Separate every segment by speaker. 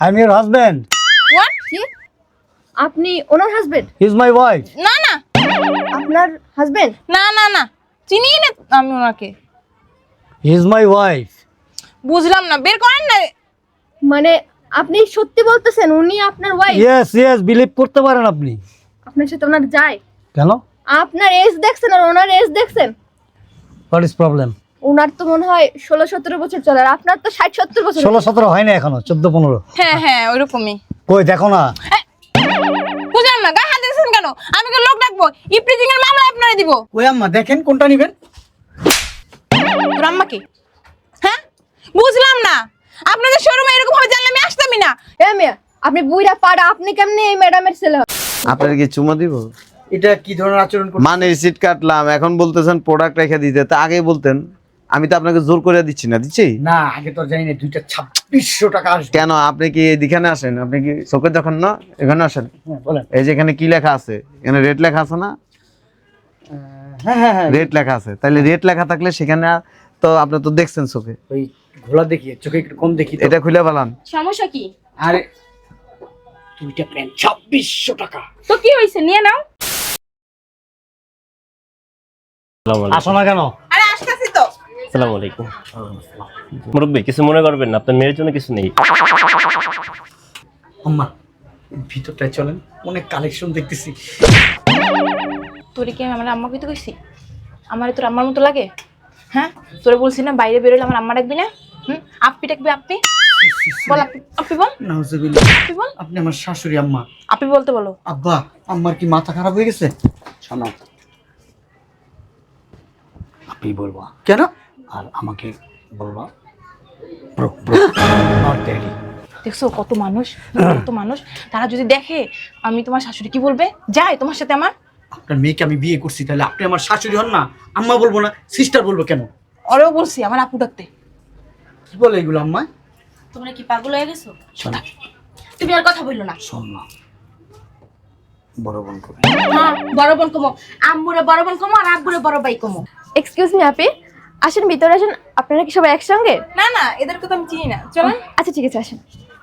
Speaker 1: I'm your husband.
Speaker 2: What? কি? আপনি ওনার হাজবেন্ড?
Speaker 1: He's my wife.
Speaker 2: না না, আপনার হাজবেন্ড? না না না, চিনি না আমি ওনাকে।
Speaker 1: He's my wife.
Speaker 2: বুঝলাম না, বের করেন না। মানে আপনি সত্যি বলতেছেন উনি আপনার ওয়াইফ?
Speaker 1: Yes, yes, believe করতে পারেন আপনি।
Speaker 2: আপনার সাথে ওনার যায়?
Speaker 1: কেন?
Speaker 2: আপনার এজ দেখছেন আর ওনার এজ দেখছেন?
Speaker 1: What is problem?
Speaker 2: ওনার তো মনে হয় 16-17 বছর চলে, আর আপনার তো 60-70 বছর।
Speaker 1: 16-17 হয় না এখনো, 14-15।
Speaker 2: হ্যাঁ হ্যাঁ ওইরকমই।
Speaker 1: কই দেখো না।
Speaker 2: বুঝলাম না, গায়ে হাত দিয়েছেন কেন? আমি কি লোক ডাকবো? ইপ্রিজিং এর মামলা আপনারে দিব।
Speaker 1: কই আম্মা দেখেন কোনটা নেবেন?
Speaker 2: তোর আম্মা কি? হ্যাঁ বুঝলাম না, আপনাদের শোরুমে এরকম ভাবে জানলে আমি আসতামই না। এ মিয়া, আপনি বুইরা পাড়া, আপনি কেমনে এই ম্যাডামের ছেলে?
Speaker 3: আপনার কি চুমা দিব?
Speaker 1: এটা কি ধরনের আচরণ করছেন?
Speaker 3: মানে রিসিট কাটলাম, এখন বলতেছেন প্রোডাক্ট রেখে দিতে, তা আগে বলতেন। আমি তো আপনাকে জোর করে দিচ্ছি না, দিচ্ছি
Speaker 1: না, আগে তো জানি না 2600 টাকা আসবে।
Speaker 3: কেন? আপনি কি এদিকে আসেন? আপনি কি চোখে দেখেন না? এখানে আসেন।
Speaker 1: হ্যাঁ বলেন।
Speaker 3: এই যে এখানে কি লেখা আছে? এখানে রেট লেখা আছে না?
Speaker 1: হ্যাঁ হ্যাঁ হ্যাঁ,
Speaker 3: রেট লেখা আছে। তাহলে রেট লেখা থাকলে সেখানে তো আপনি তো দেখছেন চোখে।
Speaker 1: ওই ঘোলা দেখি, চোখে একটু কম দেখি তো।
Speaker 3: এটা খুলে ফেলান।
Speaker 2: সমস্যা কি?
Speaker 1: আরে দুইটা প্যান্ট 2600 টাকা।
Speaker 2: তো কি হইছে, নিয়ে নাও।
Speaker 1: আসো না কেন?
Speaker 2: আরে আসতেছি তো।
Speaker 4: আসসালামু আলাইকুম। মুরব্বী, কিছু মনে করবেন না, আপনার মেয়ের জন্য কিছু নেই।
Speaker 1: আম্মা ভিতরটায় চলেন, অনেক কালেকশন দেখতেছি।
Speaker 2: তোরে কি আমি আমার আম্মাকে তো কইছি? আমারে তোর আম্মার মতো লাগে? হ্যাঁ তোরে বলছি না বাইরে বেরোলে আমার আম্মা ডাকবি না? আপনি ডাকবি, আপনি বল, আপনি বল,
Speaker 1: নাউজুবিল্লাহ।
Speaker 2: আপনি বল।
Speaker 1: আপনি আমার শাশুড়ি আম্মা।
Speaker 2: আপনি বলতে বলো।
Speaker 1: আব্বা, আম্মার কি মাথা খারাপ হয়ে গেছে? শোনো, আপনি বলবা কেন? আর আমাকে বলবা ব্রো ব্রো, নট ড্যাডি।
Speaker 2: দেখছো কত মানুষ, কত মানুষ, তারা যদি দেখে আমি তোমার শাশুড়ি, কি বলবে? যায় তোমার সাথে আমার?
Speaker 1: আপনার মেয়েকে আমি বিয়ে করছি, তাহলে আপনি আমার শাশুড়ি হন না? আম্মা বলবো না, সিস্টার বলবো কেন?
Speaker 2: ওরেও বলছি আমার আপু ডাকতে।
Speaker 1: কি বলে এগুলো আম্মা?
Speaker 5: তোমরা কি পাগল হয়ে গেছো?
Speaker 1: শোনো,
Speaker 5: তুমি আর কথা বললো না।
Speaker 1: শোন না, বড় বোন করে।
Speaker 5: হ্যাঁ বড় বোন কমো, আম্মুরে বড় বোন কমো আর আব্বুরে বড় ভাই কমো।
Speaker 2: এক্সকিউজ মি আপি, আসেন ভিতরে আসেন। আপনারা কি সবাই একসঙ্গে? না না, এদেরকে তো আমি চিনি না, চলেন। আচ্ছা ঠিক আছে, আসেন।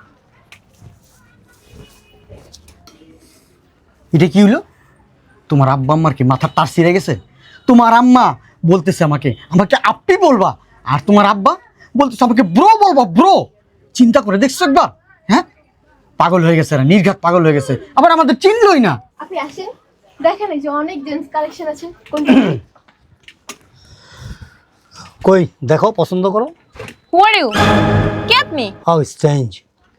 Speaker 1: এটা কি হলো? তোমার আব্বা আম্মার কি মাথার তার ছিঁড়ে গেছে? তোমার আম্মা বলতেছে আমাকে আমাকে আপনি বলবা, আর তোমার আব্বা বলতেছে আমাকে ব্রো বলবা, ব্রো। চিন্তা করে দেখছো একবার? হ্যাঁ, পাগল হয়ে গেছে, নির্ঘাত পাগল হয়ে গেছে, আবার আমাদের চিনলই না।
Speaker 2: আপনি আসেন, দেখেন এই যে অনেক জেন্টস কালেকশন আছে। কোনটা?
Speaker 1: কই দেখো, পছন্দ করো।
Speaker 2: হু আর ইউ? কে আপনি?
Speaker 1: How strange.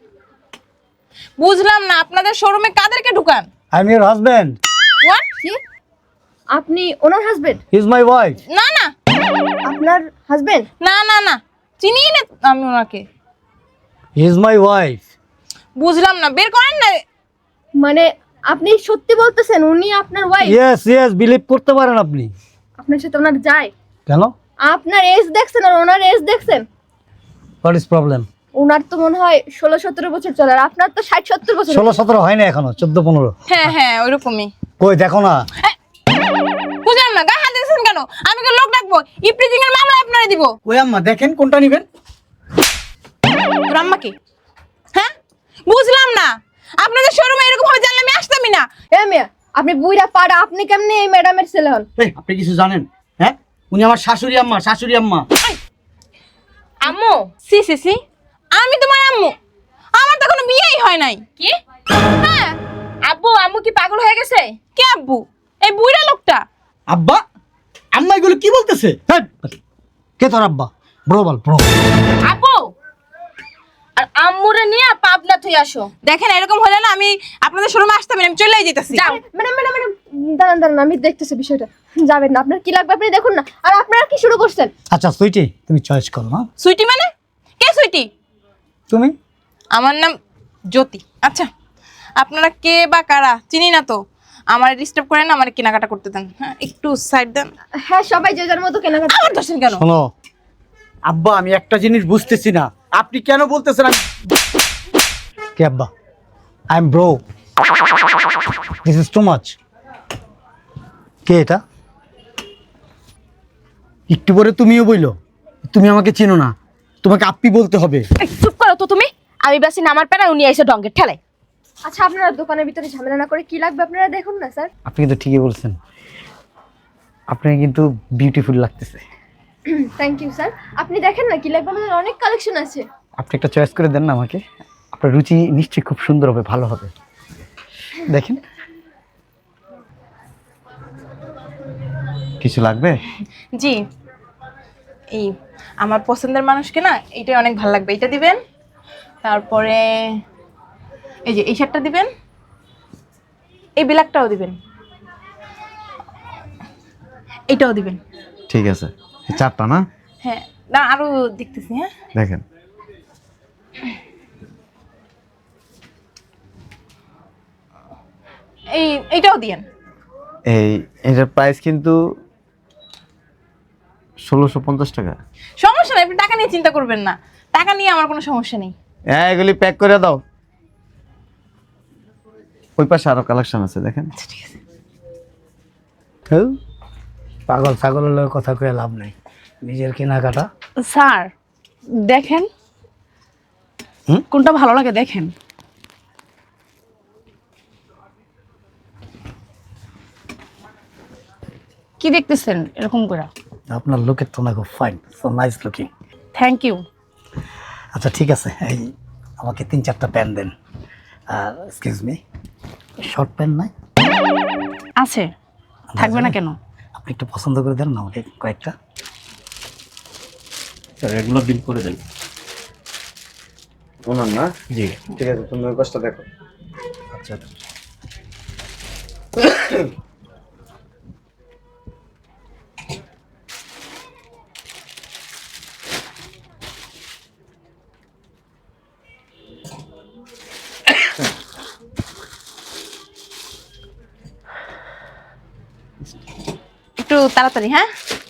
Speaker 2: বুঝলাম না, আপনাদের শোরুমে কাদেরকে ঢুকান?
Speaker 1: I am your husband.
Speaker 2: What? কি? আপনি ওনার husband?
Speaker 1: He is my wife.
Speaker 2: না না, আপনার হাজবেন্ড? না না না, চিনি না আমি ওনাকে।
Speaker 1: He is my wife.
Speaker 2: বুঝলাম না, বের করেন না। মানে আপনি সত্যি বলতেছেন উনি আপনার ওয়াইফ?
Speaker 1: ইয়েস ইয়েস, বিলিভ করতে পারেন আপনি।
Speaker 2: আপনার সাথে ওনার যায়?
Speaker 1: কেন?
Speaker 2: আপনার এজ দেখছেন আর ওনার এজ দেখছেন?
Speaker 1: What is problem?
Speaker 2: ওনার তো মনে হয় 16-17 বছর চলে, আর আপনার তো 60-70 বছর।
Speaker 1: 16-17 হয় না এখনো, 14-15।
Speaker 2: হ্যাঁ হ্যাঁ ওইরকমই।
Speaker 1: কই দেখো না।
Speaker 2: বুঝলাম না, গায়ে হাত দিয়েছেন কেন? আমি কি লোক ডাকবো? ইপ্রিজিং এর মামলা আপনারে দিব।
Speaker 1: কই আম্মা দেখেন কোনটা নেবেন?
Speaker 2: তোর আম্মা কি? হ্যাঁ বুঝলাম না, আপনাদের শোরুমে এরকম ভাবে জানলে আমি আসতামই না। এ মিয়া, আপনি বুইরা পাড়া, আপনি কেমনে এই ম্যাডামের ছেলে হন?
Speaker 1: এই আপনি কিছু জানেন? হ্যাঁ, উনি আমার শাশুড়ি আম্মা, শাশুড়ি আম্মা।
Speaker 2: আম্মু? সি সি সি, আমি তোমার আম্মু? আমার তো এখনো বিয়েই হয় নাই। কি? হ্যাঁ। আব্বু, আম্মু কি পাগল হয়ে গেছে? কে আব্বু? এই বুইড়া লোকটা।
Speaker 1: আব্বা, আম্মা এগুলো কি বলতেছে? হ্যাঁ, কে তোর আব্বা? ব্রো বল, ব্রো।
Speaker 5: আব্বু আর আম্মুরে নিয়ে পাবনা থই আসো।
Speaker 2: দেখেন এরকম হলে না আমি আপনাদের শোরুমে আসতামই না, আমি চলেই যেতেছি।
Speaker 5: যাও।
Speaker 2: ম্যাডাম ম্যাডাম ম্যাডাম, দাঁড়ান দাঁড়ান, আমি দেখতেছি বিষয়টা। যাবেন না, আপনার কি লাগবে আপনি দেখুন না। আর আপনারা কি শুরু করছেন?
Speaker 1: আচ্ছা সুইটি, তুমি চয়েস করো। হ্যাঁ,
Speaker 2: সুইটি মানে? কে সুইটি?
Speaker 1: তুমি?
Speaker 2: আমার নাম জ্যোতি। আচ্ছা আপনারা কে বা কারা চিনি না তো, আমার ডিস্টার্ব করেন না, আমার কেনাকাটা করতে দেন। হ্যাঁ একটু সাইড দেন। হ্যাঁ সবাই যে যার মতো কেনাকাটা। আমার দোষের কেন?
Speaker 1: শোনো আব্বা, আমি একটা জিনিস বুঝতেছি না, আপনি কেন বলতেছেন কে আব্বা? I am bro, this is too much. কে এটা? একটু পরে তুমিও বইলো তুমি আমাকে চেনো না, তোমাকে আপ্পি বলতে হবে।
Speaker 5: চুপ করো তো তুমি। আমি বাসি নামার পেনা উনি এসে ডঙ্গের ঠেলায়।
Speaker 6: আচ্ছা আপনারা দোকানের ভিতরে ঝামেলা না করে কি লাগবে আপনারা দেখুন না স্যার।
Speaker 1: আপনি কিন্তু ঠিকই বলছেন, আপনাকে কিন্তু বিউটিফুল লাগতেছে।
Speaker 6: Thank you sir. আপনি দেখেন না কি লাগবে, আমাদের অনেক কালেকশন আছে।
Speaker 1: আপনি একটা চয়েস করে দেন না আমাকে, আপনার রুচি নিশ্চয়ই খুব সুন্দর হবে, ভালো হবে। দেখেন।
Speaker 3: কিছু লাগবে?
Speaker 2: জি, এই আমার পছন্দের মানুষকে না এইটাই অনেক ভালো লাগবে, এটা দিবেন। তারপরে এই যে এই শার্টটা দিবেন, এই ব্ল্যাকটাও দিবেন, এইটাও দিবেন।
Speaker 3: ঠিক আছে, এই 4টা না?
Speaker 2: হ্যাঁ, না আরো দেখতেছি। হ্যাঁ,
Speaker 3: দেখেন।
Speaker 2: এইটাও দিয়েন।
Speaker 3: এটার প্রাইস কিন্তু 1650 টাকা।
Speaker 2: সমস্যা নেই, আপনি টাকা নিয়ে চিন্তা করবেন না, টাকা নিয়ে আমার কোনো সমস্যা নেই।
Speaker 3: এগুলি প্যাক করে দাও। ওই পাশে আরো কালেকশন আছে, দেখেন।
Speaker 2: আচ্ছা ঠিক আছে।
Speaker 7: পাগল ছাগলের লগে কথা কয়ে লাভ নাই, নিজের কেনাকাটা।
Speaker 2: স্যার দেখেন কোনটা ভালো লাগে দেখেন। কি দেখতেছেন এরকম করে?
Speaker 7: আপনার লুকের তো না খুব fine, so nice looking.
Speaker 2: Thank you.
Speaker 7: আচ্ছা ঠিক আছে, এই আমাকে 3-4টা প্যান্ট দেন। আর এক্সকিউজ মি, শর্ট প্যান্ট নাই?
Speaker 2: আছে, থাকবে না কেন?
Speaker 7: আপনি একটু পছন্দ করে দেন না আমাকে কয়েকটা।
Speaker 4: স্যার এগুলো বিল করে দেন।
Speaker 3: ওনার না?
Speaker 4: জি।
Speaker 3: ঠিক আছে, তুমি ওই পাশটা দেখো।
Speaker 7: আচ্ছা
Speaker 2: একটু তাড়াতাড়ি। হ্যাঁ,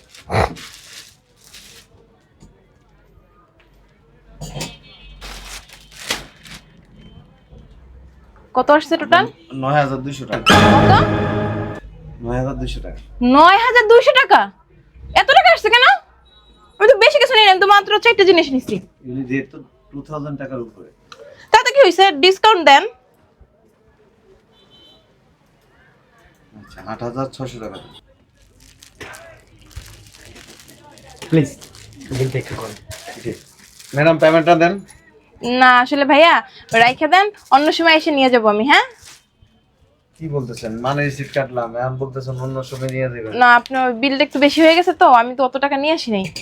Speaker 2: কত আসছে টোটাল?
Speaker 3: 9200 টাকা।
Speaker 2: কত?
Speaker 3: 9200 টাকা।
Speaker 2: 9200 টাকা? এত টাকা আসছে কেন? আমি তো বেশি কিছু নিই না, আমি তো মাত্র 4টা জিনিস নিচ্ছি।
Speaker 3: এগুলি যেহেতু 2000 টাকার উপরে।
Speaker 2: তাতে কি হয়েছে, ডিসকাউন্ট দেন।
Speaker 3: আচ্ছা, 8600 টাকা।
Speaker 7: প্লিজ বিলটা একটু করেন।
Speaker 3: ম্যাডাম পেমেন্টটা দেন।
Speaker 2: না আসলে ভাইয়া রাইখা দেন, অন্য সময় এসে নিয়ে যাবো আমি। হ্যাঁ,
Speaker 3: কি বলতেছেন? মানে রিসিট কাটলাম, এখন বলতেছেন অন্য সময় নিয়ে দেবেন।
Speaker 2: না আপনার বিলটা একটু বেশি হয়ে গেছে তো, আমি তো অত টাকা নিয়ে আসি নাই।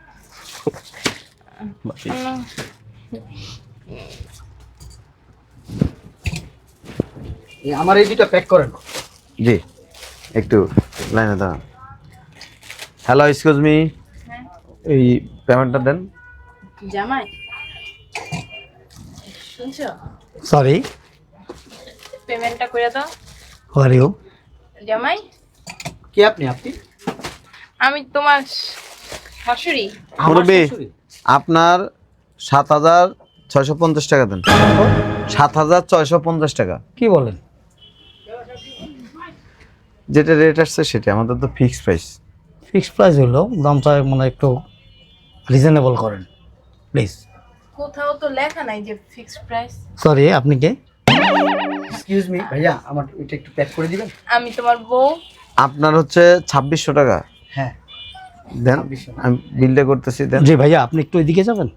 Speaker 1: আমার এই দুটো প্যাক করেন।
Speaker 3: জি, একটু লাইনে দাঁড়ান। হ্যালো, এক্সকিউজ মি, এই পেমেন্টটা দেন।
Speaker 2: জামাই শুনছো,
Speaker 7: সরি,
Speaker 2: পেমেন্টটা করে দাও।
Speaker 7: Who are you?
Speaker 2: জামাই
Speaker 1: কে আপনি? আপনি?
Speaker 2: আমি তোমার শাশুড়ি।
Speaker 3: মুরব্বি, আপনার 7650 টাকা দেন। 7650 টাকা।
Speaker 7: কি বলেন?
Speaker 3: যেটা রেট আসছে সেটা, আমাদের তো ফিক্সড প্রাইস।
Speaker 7: ফিক্সড প্রাইস হলো, দামটা মানে একটু রিজনেবল করেন প্লিজ।
Speaker 2: কোথাও তো লেখা নাই যে ফিক্সড প্রাইস।
Speaker 7: সরি, আপনি কে?
Speaker 1: এক্সকিউজ মি ভাইয়া, আমার এটা একটু প্যাক করে দিবেন।
Speaker 2: আমি তোমার বউ।
Speaker 3: আপনার হচ্ছে 2600 টাকা
Speaker 1: হ্যাঁ
Speaker 3: দেন,
Speaker 1: 2600 না।
Speaker 3: আমি বিলটা করতেছি দেন।
Speaker 7: জি ভাইয়া, আপনি একটু এদিকে যাবেন।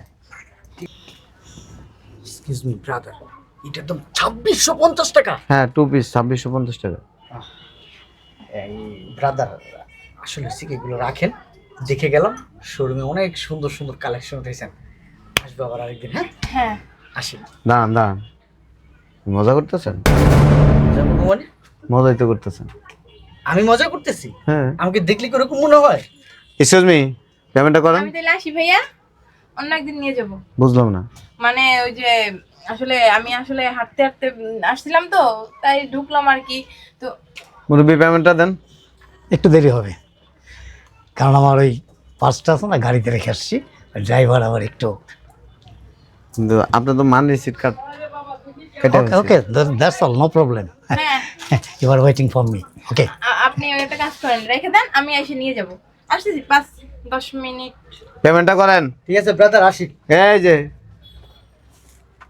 Speaker 1: এক্সকিউজ মি ব্রাদার, এটা একদম 2650 টাকা।
Speaker 3: হ্যাঁ, 2 পিস 2650 টাকা।
Speaker 1: এই ব্রাদার, আসলে এগুলো রাখেন, দেখে গেলাম শোরুমে অনেক সুন্দর সুন্দর কালেকশন উঠেছেন। আসবো আবার আরেকদিন। হ্যাঁ
Speaker 2: হ্যাঁ,
Speaker 1: আসি।
Speaker 3: দাঁড়ান দাঁড়ান, মজা করতেছেন?
Speaker 1: মানে
Speaker 3: মজাই তো করতেছেন।
Speaker 1: আমি মজা করতেছি?
Speaker 3: হ্যাঁ।
Speaker 1: আমাকে দেখলে কি ওরকম মনে হয়?
Speaker 3: এক্সকিউজ মি, পেমেন্টটা করেন।
Speaker 2: আমি তাহলে আসি ভাইয়া, অন্য একদিন নিয়ে যাব।
Speaker 3: বুঝলাম না।
Speaker 2: মানে ওই যে আসলে আমি আসলে হাঁটতে হাঁটতে আসছিলাম তো, তাই ঢুকলাম আর কি। তো
Speaker 3: মুরব্বি পেমেন্টটা দেন।
Speaker 7: একটু দেরি হবে, কারণ আমার ওই পার্সটা আছে না, গাড়িতে রেখে আসছি। ড্রাইভার আবার একটু
Speaker 3: কিন্তু আপনি তো মান রিসিট কাট কেটে
Speaker 7: okay okay, that's all, no problem.
Speaker 2: হ্যাঁ,
Speaker 7: you are waiting for me. Okay,
Speaker 2: আপনি ওই একটা কাজ করেন, রেখে দেন, আমি এসে নিয়ে যাব। আসতেছি 5-10 মিনিট।
Speaker 3: পেমেন্টটা করেন।
Speaker 1: ঠিক আছে ব্রাদার, আসি।
Speaker 3: এই যে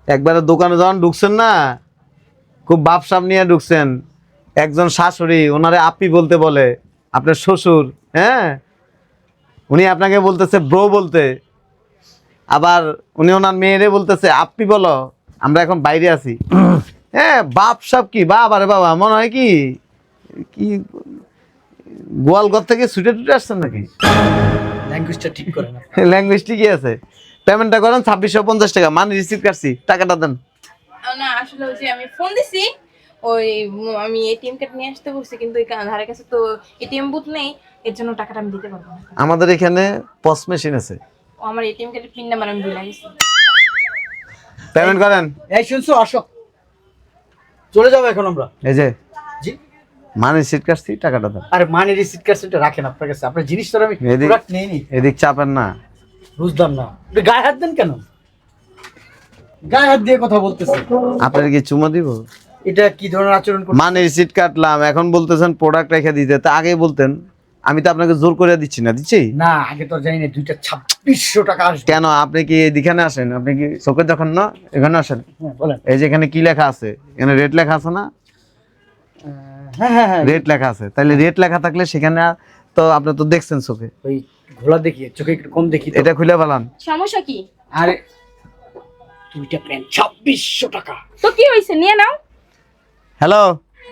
Speaker 3: একবারে দোকানে যখন ঢুকছেন না, খুব ভাবসাব নিয়ে ঢুকছেন। একজন শাশুড়ি ওনারে আপি বলতে বলে, আপনার শ্বশুর, হ্যাঁ, উনি আপনাকে বলতেছে ব্রো বলতে, আবার উনি ওনার মেয়েরে বলতেছে আপি বলো, আমরা এখন বাইরে আছি। হ্যাঁ, ভাবসাব কি বাবা রে বাবা, মনে হয় কি কি গোয়ালঘর থেকে ছুটে টুটে আসছেন নাকি?
Speaker 1: ল্যাঙ্গুয়েজটা ঠিক করে না।
Speaker 3: ল্যাঙ্গুয়েজ ঠিকই আছে। পেমেন্টটা করেন 2650 টাকা, মানি রিসিভ কাটছি, টাকাটা দেন।
Speaker 2: না আসলে ওই যে আমি ফোন দিছি, ওই আমি এটিএম কার্ড নিয়ে আসতে বলছি, কিন্তু ওই ধারে কাছে তো এটিএম বুথ নেই, এর জন্য টাকাটা আমি দিতে পারবো না।
Speaker 3: আমাদের এখানে পস মেশিন আছে,
Speaker 2: ও আমার এটিএম কার্ডের পিন নাম্বার আমি ভুলে গেছি।
Speaker 3: পেমেন্ট করেন।
Speaker 1: এই শুনছো, আসো, চলে যাবো এখন আমরা।
Speaker 3: এই যে
Speaker 1: জি,
Speaker 3: মানি রিসিভ কাটছি, টাকাটা দেন।
Speaker 1: আরে মানি রিসিট কার্ডটা রাখেন আপনার কাছে, আপনার জিনিস তো আমি
Speaker 3: এদিক-
Speaker 1: প্রোডাক্ট নেইনি।
Speaker 3: এদিক চাপেন না।
Speaker 1: বুঝলাম না, আপনি গায়ে হাত দেন কেন? গায়ে হাত দিয়ে কথা বলতেছে,
Speaker 3: আপনার কি চুমা দিব?
Speaker 1: এটা কি ধরনের আচরণ করছেন?
Speaker 3: মানি রিসিট কাটলাম, এখন বলতেছেন প্রোডাক্ট রেখে দিতে, তা আগেই বলতেন। আমি তো আপনাকে জোর করে দিচ্ছি না, দিচ্ছি
Speaker 1: না, আগে তো জানি না 2600 টাকা আসবে।
Speaker 3: কেন? আপনি কি এদিকে আসেন? আপনি কি চোখে যখন না এখানে আসেন?
Speaker 1: হ্যাঁ বলেন।
Speaker 3: এই যে এখানে কি লেখা আছে? এখানে রেট লেখা আছে না?
Speaker 1: হ্যাঁ হ্যাঁ হ্যাঁ,
Speaker 3: রেট লেখা আছে, তাহলে রেট লেখা থাকলে সেখানে তো আপনি তো দেখছেন চোখে।
Speaker 1: ওই ঘোলা দেখি, চোখে একটু কম দেখি তো।
Speaker 3: এটা খুলে ফেলান।
Speaker 5: সমস্যা কি?
Speaker 1: আরে দুইটা প্যান্ট 2600 টাকা।
Speaker 5: তো কি হয়েছে, নিয়ে নাও।
Speaker 3: হ্যালো,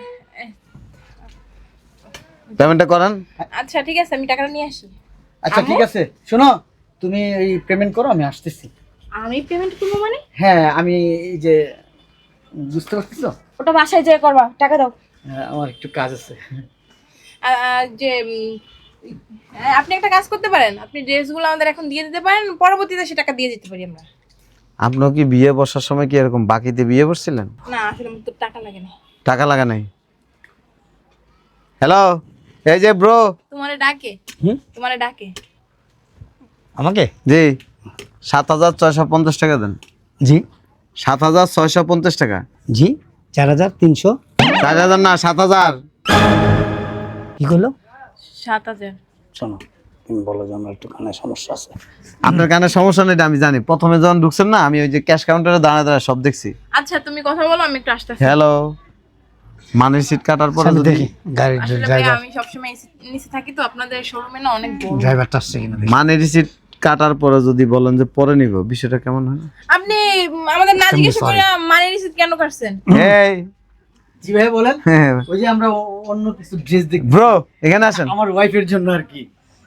Speaker 3: পেমেন্টটা করেন।
Speaker 2: আচ্ছা ঠিক আছে, আমি টাকাটা নিয়ে আসি।
Speaker 1: আচ্ছা ঠিক আছে, শোনো, তুমি এই পেমেন্ট করো, আমি আসতেছি।
Speaker 5: আমি পেমেন্ট করবো মানে?
Speaker 1: হ্যাঁ, আমি এই যে, বুঝতে পারতেছো,
Speaker 5: ওটা বাসায় যেয়ে করবা, টাকা দাও।
Speaker 1: আমার একটু কাজ আছে।
Speaker 2: যে আপনি একটা কাজ করতে পারেন, আপনি ড্রেসগুলো আমাদের এখন দিয়ে দিতে পারেন, পরবর্তীতে সে টাকা দিয়ে দিতে পারি আমরা।
Speaker 3: আপনিও কি বিয়ে বসার সময় কি এরকম বাকিতে বিয়ে বসছিলেন?
Speaker 2: না আসলে আমার তো টাকা লাগে না।
Speaker 3: টাকা লাগা নাই। হ্যালো, এই যে ব্রো।
Speaker 2: তোমারে ডাকে, তোমারে ডাকে।
Speaker 1: আমাকে?
Speaker 3: জি, 7650 টাকা দেন।
Speaker 1: জি
Speaker 3: 7650 টাকা।
Speaker 7: জি 4300।
Speaker 3: 4000 না, 7000।
Speaker 7: কি করলো?
Speaker 2: 7000।
Speaker 7: শোনো, তুমি বলো যে আমার একটু কানে সমস্যা আছে।
Speaker 3: আপনার কানে সমস্যা নেই, এটা আমি জানি। প্রথমে যখন ঢুকছেন না, আমি ওই যে ক্যাশ কাউন্টারে দাঁড়ায় দাঁড়ায় সব দেখছি।
Speaker 2: আচ্ছা তুমি কথা বলো, আমি একটু আসতেছি।
Speaker 3: হ্যালো, মানির সিট কাটার পরে
Speaker 7: আমি
Speaker 3: যদি
Speaker 7: দেখি গাড়ির
Speaker 2: আসলে ভাই
Speaker 7: ড্রাইভার,
Speaker 2: আমি সবসময় নিচে থাকি তো, আপনাদের শোরুমে না অনেক বড়।
Speaker 7: ড্রাইভারটা আসছে কিনা দেখি।
Speaker 3: মানির সিট কাটার পরে যদি বলেন যে পরে নিব, বিষয়টা কেমন হয়?
Speaker 2: আপনি আমাদের না জিজ্ঞেস করে মানি রিসিট কেন করছেন?
Speaker 3: এই
Speaker 1: জি ভাই বলেন।
Speaker 3: হ্যাঁ,
Speaker 1: ওই যে আমরা অন্য কিছু ড্রেস দেখি
Speaker 3: ব্রো এখানে আসেন।
Speaker 1: আমার ওয়াইফের জন্য আর কি।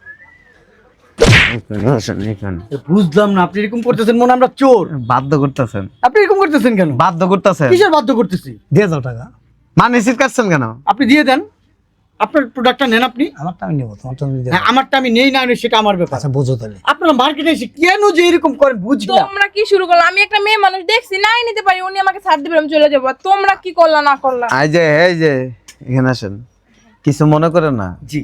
Speaker 3: এখানে আসেন, এখানে।
Speaker 1: বুঝলাম না, আপনি এরকম করতেছেন মনে হয় আমরা চোর।
Speaker 3: বাধ্য করতেছেন,
Speaker 1: আপনি এরকম করতেছেন কেন?
Speaker 3: বাধ্য করতেছেন।
Speaker 1: কিসের বাধ্য করতেছি?
Speaker 7: দিয়ে দাও টাকা।
Speaker 3: মানির সিট কাটছেন কেন?
Speaker 1: আপনি দিয়ে দেন, আপনার প্রোডাক্টটা নেন আপনি।
Speaker 7: আমারটা আমি নেবো, তোমারটা তুমি দিয়ে
Speaker 1: হ্যাঁ,
Speaker 7: দাও।
Speaker 1: আমারটা আমি নেই না নেই সেটা আমার ব্যাপার।
Speaker 7: আচ্ছা বোঝো তাহলে।
Speaker 1: আপনারা মার্কেটে এসে কেন যে এরকম করেন বুঝি না।
Speaker 2: তোমরা কি শুরু করলো? আমি একটা মেয়ে মানুষ দেখছি, নাই নিতে পারি, উনি আমাকে ছাড় দিবে, আমি চলে যাবো। আর তোমরা কি করলা না করলা?
Speaker 3: এই যে এখানে আসেন, কিছু মনে করেন না।
Speaker 1: জি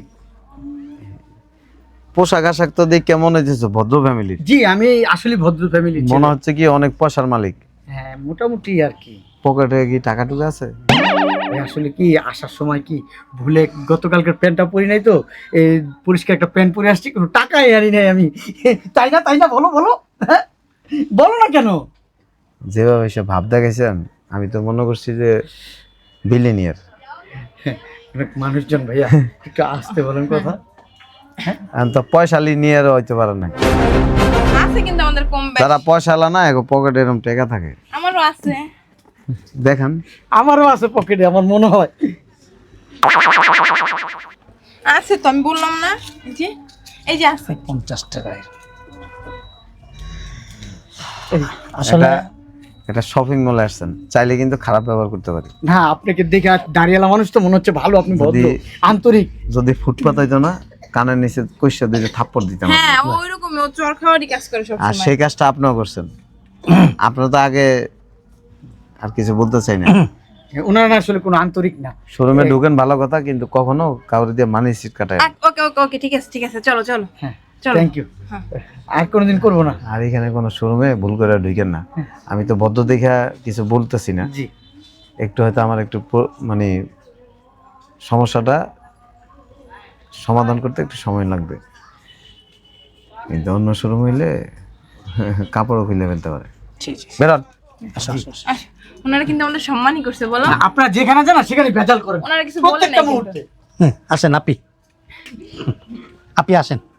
Speaker 3: পোশাক আশাক তো দেখে মনে হচ্ছে ভদ্র ফ্যামিলির।
Speaker 1: জি, আমি আসলে ভদ্র ফ্যামিলি।
Speaker 3: মনে হচ্ছে কি অনেক পয়সার মালিক।
Speaker 1: হ্যাঁ মোটামুটি আর কি।
Speaker 3: পকেটে কি টাকা টুকা আছে?
Speaker 1: আসলে কি আসার সময় কি ভুলে গতকালকের প্যান্টটা পরি নাই তো, এই পরিষ্কার একটা প্যান্ট পরে আসছি, কোনো টাকাই আনি নাই আমি। তাই না বলো বলো, হ্যাঁ বলো না কেন?
Speaker 3: যেভাবে সে ভাব দেখাইছেন, আমি তো মনে করছি যে বিলিনিয়ার।
Speaker 1: অনেক মানুষজন ভাইয়া, একটু আসতে বলেন কথা।
Speaker 3: আমি তো পয়সালি নিয়ে হইতে পারে না।
Speaker 2: আছে কিন্তু আমাদের কম বেশি।
Speaker 3: যারা পয়সালা না, এখন পকেটে এরকম টাকা থাকে।
Speaker 2: আমারও আছে।
Speaker 3: দেখেন,
Speaker 1: আমারও আছে পকেটে, আমার মনে হয়।
Speaker 2: আছে তো, আমি বললাম না, এই যে আছে।
Speaker 7: 50 টাকায় আসলে
Speaker 3: এটা শপিং মলে আসছেন, চাইলে কিন্তু খারাপ ব্যবহার করতে পারি।
Speaker 1: না, আপনাকে দেখে আর দাঁড়িয়ালা মানুষ তো মনে হচ্ছে ভালো, আপনি ভদ্র
Speaker 3: যদি-
Speaker 1: আন্তরিক।
Speaker 3: যদি ফুটপাত হইতো না, কানের নিচে কইসা দিয়ে থাপ্পড় দিতাম।
Speaker 2: হ্যাঁ ওইরকম, ও চর খাওয়ারই কাজ করে
Speaker 3: আর
Speaker 2: সবসময়।
Speaker 3: সেই কাজটা আপনিও করছেন। আপনারা তো আগে, আর কিছু বলতে চাই না।
Speaker 1: ওনারা না আসলে কোনো আন্তরিক না।
Speaker 3: শোরুমে ঢুকেন ভালো কথা, কিন্তু কখনো কাউরে দিয়ে মানি সিট কাটায় না।
Speaker 2: ওকে ওকে ওকে, ঠিক আছে ঠিক আছে, চলো চলো
Speaker 1: হ্যাঁ
Speaker 2: চলো।
Speaker 1: Thank you.
Speaker 2: হ্যাঁ।
Speaker 1: আর কোনোদিন করবো না।
Speaker 3: আর এখানে কোনো শোরুমে ভুল করে ঢুকেন না। আমি তো ভদ্র দেখা কিছু বলতেছি না,
Speaker 1: জি
Speaker 3: একটু হয়তো আমার একটু মানে সমস্যাটা সমাধান করতে একটু সময় লাগবে, কিন্তু অন্য শোরুম হইলে কাপড়ও খুলে ফেলতে পারে।
Speaker 7: জি জি।
Speaker 3: বেরোন।
Speaker 7: আসো আসো আসো।
Speaker 2: আস, ওনারা কিন্তু আমাদের সম্মানই করছে বলো।
Speaker 1: আপনারা যেখানে যান না সেখানে ভেজাল করেন
Speaker 2: ওনারা কিছু বলে নাই
Speaker 1: প্রত্যেকটা
Speaker 2: কিন্তু।
Speaker 1: মুহূর্তে।
Speaker 7: আসেন আপি, আপি আসেন।